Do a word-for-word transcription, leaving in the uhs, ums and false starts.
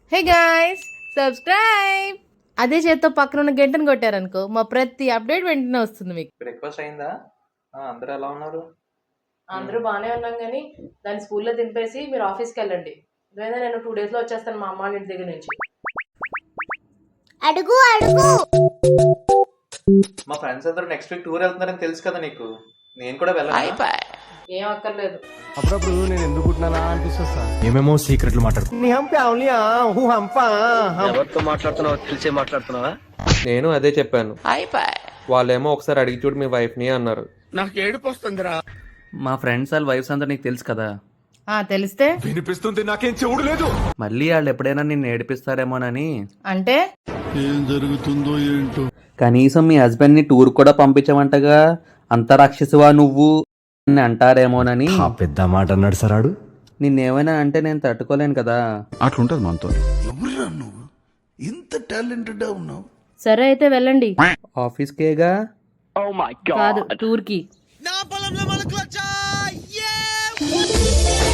Hey guys, subscribe. అదే చేత్తో పక్కన ఉన్న గంటను కొట్టారనుకో మా ప్రతి అప్డేట్ వెంటనే వస్తుంది మీకు. బ్రేక్ఫాస్ట్ అయిందా? ఆ, అందరూ ఎలా ఉన్నారు? అందరూ బాగానే ఉన్నాం కానీ దాన్ని స్కూల్లో దింపేసి మీరు ఆఫీస్కి వెళ్ళండి. లేదా నేను టూ డేస్లో వచ్చేస్తాను మా అమ్మ ఇంటి దగ్గర నుంచి. అడుగు అడుగు. మా ఫ్రెండ్స్ అందరూ నెక్స్ట్ వీక్ టూర్ వెళ్తున్నారని తెలుసు కదా నీకు. నేను కూడా వెళ్ళాలి. ఏం అక్కర్లేదు. అప్పుడప్పుడు నేను ఎందుకు పుట్టినా అనిపిస్తుంది సార్. ఏమేమో సీక్రెట్లు మాట్లాడు. ఎవరితో మాట్లాడుతున్నావో తెలిసే మాట్లాడుతున్నావా? నేను అదే చెప్పాను. వాళ్ళేమో ఒకసారి అడిగి చూడు మీ వైఫ్ ని అన్నారు. నాకు ఏడుపు వస్తుందిరా. మా ఫ్రెండ్స్ వాళ్ళ వైఫ్స్ అంతా నీకు తెలుసు కదా. ఆ తెలిస్తే వినిపిస్తుంది, నాకేం చెవుడు లేదు. మళ్ళీ వాళ్ళు ఎప్పుడైనా నిన్ను ఏడిపిస్తారేమోనని. అంటే ఏం జరుగుతుందో ఏంటో. కనీసం మీ హస్బెండ్ ని టూర్ కూడా పంపించమంటగా, అంత రాక్షసువా నువ్వు అని అంటారేమోనని. ఆ పెద్ద మాట అన్నాడు సరాడు. నిన్నేమైనా అంటే నేను తట్టుకోలేను కదా. అట్లుంటది మనతో. ఎవరురా నువ్వు ఇంత టాలెంటెడ్ ఉన్నావు? సరే అయితే వెళ్ళండి. ఆఫీస్కేగా కాదు, టూర్కి. నా పొలంలో మొలకలొచ్చాయి.